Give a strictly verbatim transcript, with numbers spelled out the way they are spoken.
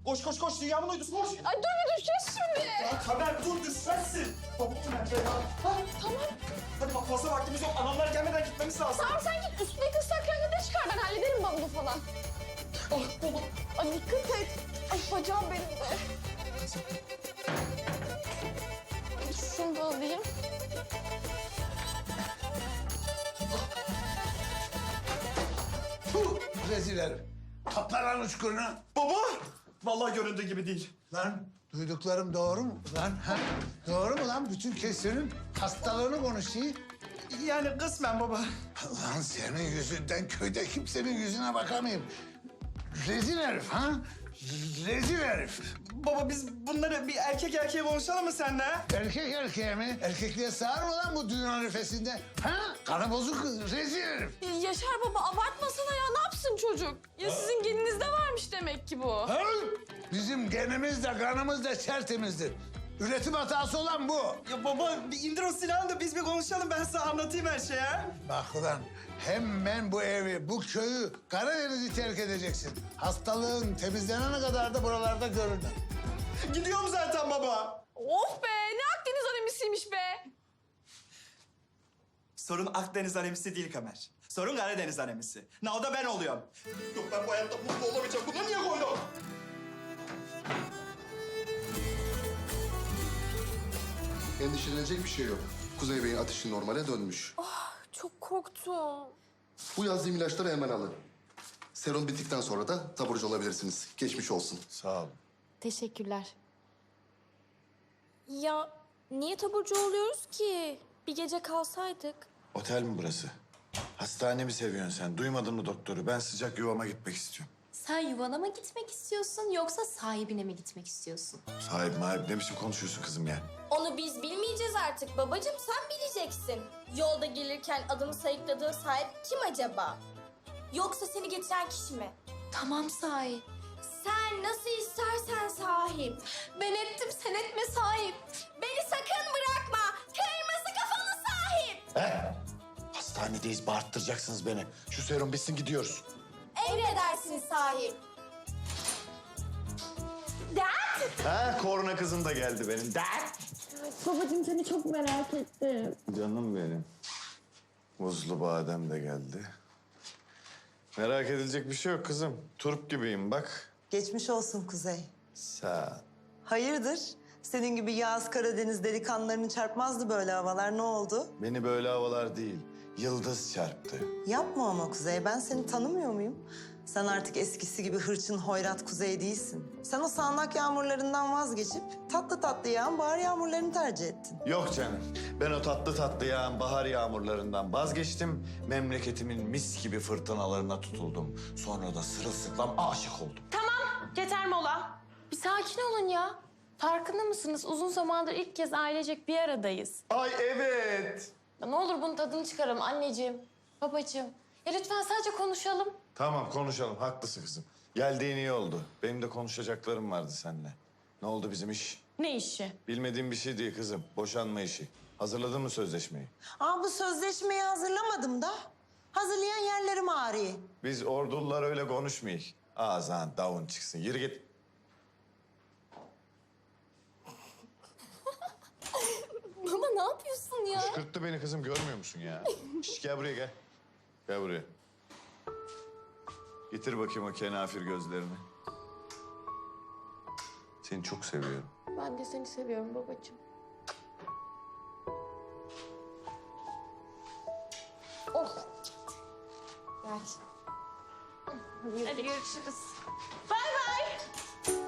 Koş koş koş dünyamın uydusu koş. Ay dur bir düşeceğiz şimdi. Ya Kamer dur düşmezsin. Baba nerede ya? Ha? Tamam. Hadi bak fazla vaktimiz yok. Anamlar gelmeden gitmemiz lazım. Tamam sen git üstündeki ıslak kıyafetleri çıkar. Ben hallederim bavulu falan. Oh baba. Ay dikkat et. Ay bacağım benim de. Şunu da alayım. Puh, rezil herif. Topla lan uçkurunu. Baba! Vallahi göründüğü gibi değil. Lan duyduklarım doğru mu lan? Ha? Doğru mu lan? Bütün kesirin hastalığını konuşuyor. Yani kısmen baba. Lan senin yüzünden köyde kimsenin yüzüne bakamayayım. Rezil herif ha? Rezil herif. Baba biz bunları bir erkek erkeğe konuşalım mı seninle? Erkek erkeğe mi? Erkekliğe sığar mı lan bu dünya arifesinde? Ha? Kanı bozuk rezil herif. Yaşar baba abartmasana ya. Ne yapsın çocuk? Ya sizin geninizde varmış demek ki bu. Ha? Bizim genimiz de kanımız da tertemizdir. Üretim hatası olan bu. Ya baba bir indir o silahını da biz bir konuşalım. Ben size anlatayım her şeyi ha. Bak ulan hemen bu evi, bu köyü, Karadeniz'i terk edeceksin. Hastalığın temizlenene kadar da buralarda görünür. Gidiyorum zaten baba. Of be ne Akdeniz animisiymiş be. Sorun Akdeniz anemisi değil Kamer. Sorun Karadeniz anemisi. Ne o da ben oluyorum. Yok ben bu hayatta mutlu olamayacağım. Bunu niye koydum? Endişelenecek bir şey yok. Kuzey Bey'in ateşi normale dönmüş. Çok korktum. Bu yazdığım ilaçları hemen alın. Serum bittikten sonra da taburcu olabilirsiniz. Geçmiş olsun. Sağ ol. Teşekkürler. Ya niye taburcu oluyoruz ki? Bir gece kalsaydık. Otel mi burası? Hastane mi seviyorsun sen? Duymadın mı doktoru? Ben sıcak yuvama gitmek istiyorum. Sen yuvana mı gitmek istiyorsun yoksa sahibine mi gitmek istiyorsun? Sahip mahip ne biçim konuşuyorsun kızım ya? Onu biz bilmeyeceğiz artık babacığım, sen bileceksin. Yolda gelirken adını sayıkladığın sahip kim acaba? Yoksa seni getiren kişi mi? Tamam sahip. Sen nasıl istersen sahip. Ben ettim sen etme sahip. Beni sakın bırakma. Kırmızı kafalı sahip. He? Hastanedeyiz, bağırttıracaksınız beni. Şu serum bitsin gidiyoruz. Emredersin sahip. Ha, korna kızım da geldi benim. Dert. Babacığım seni çok merak ettim. Canım benim. Muzlu badem de geldi. Merak edilecek bir şey yok kızım. Turp gibiyim bak. Geçmiş olsun Kuzey. Sağ ol. Hayırdır? Senin gibi Yağız Karadeniz delikanlılarını çarpmazdı böyle havalar. Ne oldu? Beni böyle havalar değil, yıldız çarptı. Yapma ama Kuzey. Ben seni tanımıyor muyum? Sen artık eskisi gibi hırçın hoyrat Kuzey değilsin. Sen o sağanak yağmurlarından vazgeçip tatlı tatlı yağan bahar yağmurlarını tercih ettin. Yok canım. Ben o tatlı tatlı yağan bahar yağmurlarından vazgeçtim. Memleketimin mis gibi fırtınalarına tutuldum. Sonra da sırılsıklam aşık oldum. Yeter mola. Bir sakin olun ya. Farkında mısınız? Uzun zamandır ilk kez ailecek bir aradayız. Ay evet. Ya ne olur bunun tadını çıkaralım anneciğim, babacığım. Ya lütfen sadece konuşalım. Tamam konuşalım. Haklısın kızım. Geldiğin iyi oldu. Benim de konuşacaklarım vardı seninle. Ne oldu bizim iş? Ne işi? Bilmediğim bir şey değil kızım. Boşanma işi. Hazırladın mı sözleşmeyi? Aa, bu sözleşmeyi hazırlamadım da. Hazırlayan yerlerim ağrıyor. Biz ordular öyle konuşmayız. Ağzından davun çıksın. Yürü git. Baba ne yapıyorsun ya? Kışkırttı beni kızım. Görmüyor musun ya? Şş, gel buraya gel. Gel buraya. Getir bakayım o kenafir gözlerini. Seni çok seviyorum. Ben de seni seviyorum babacığım. Oh. Gel. Hadi görüşürüz. Bay bay.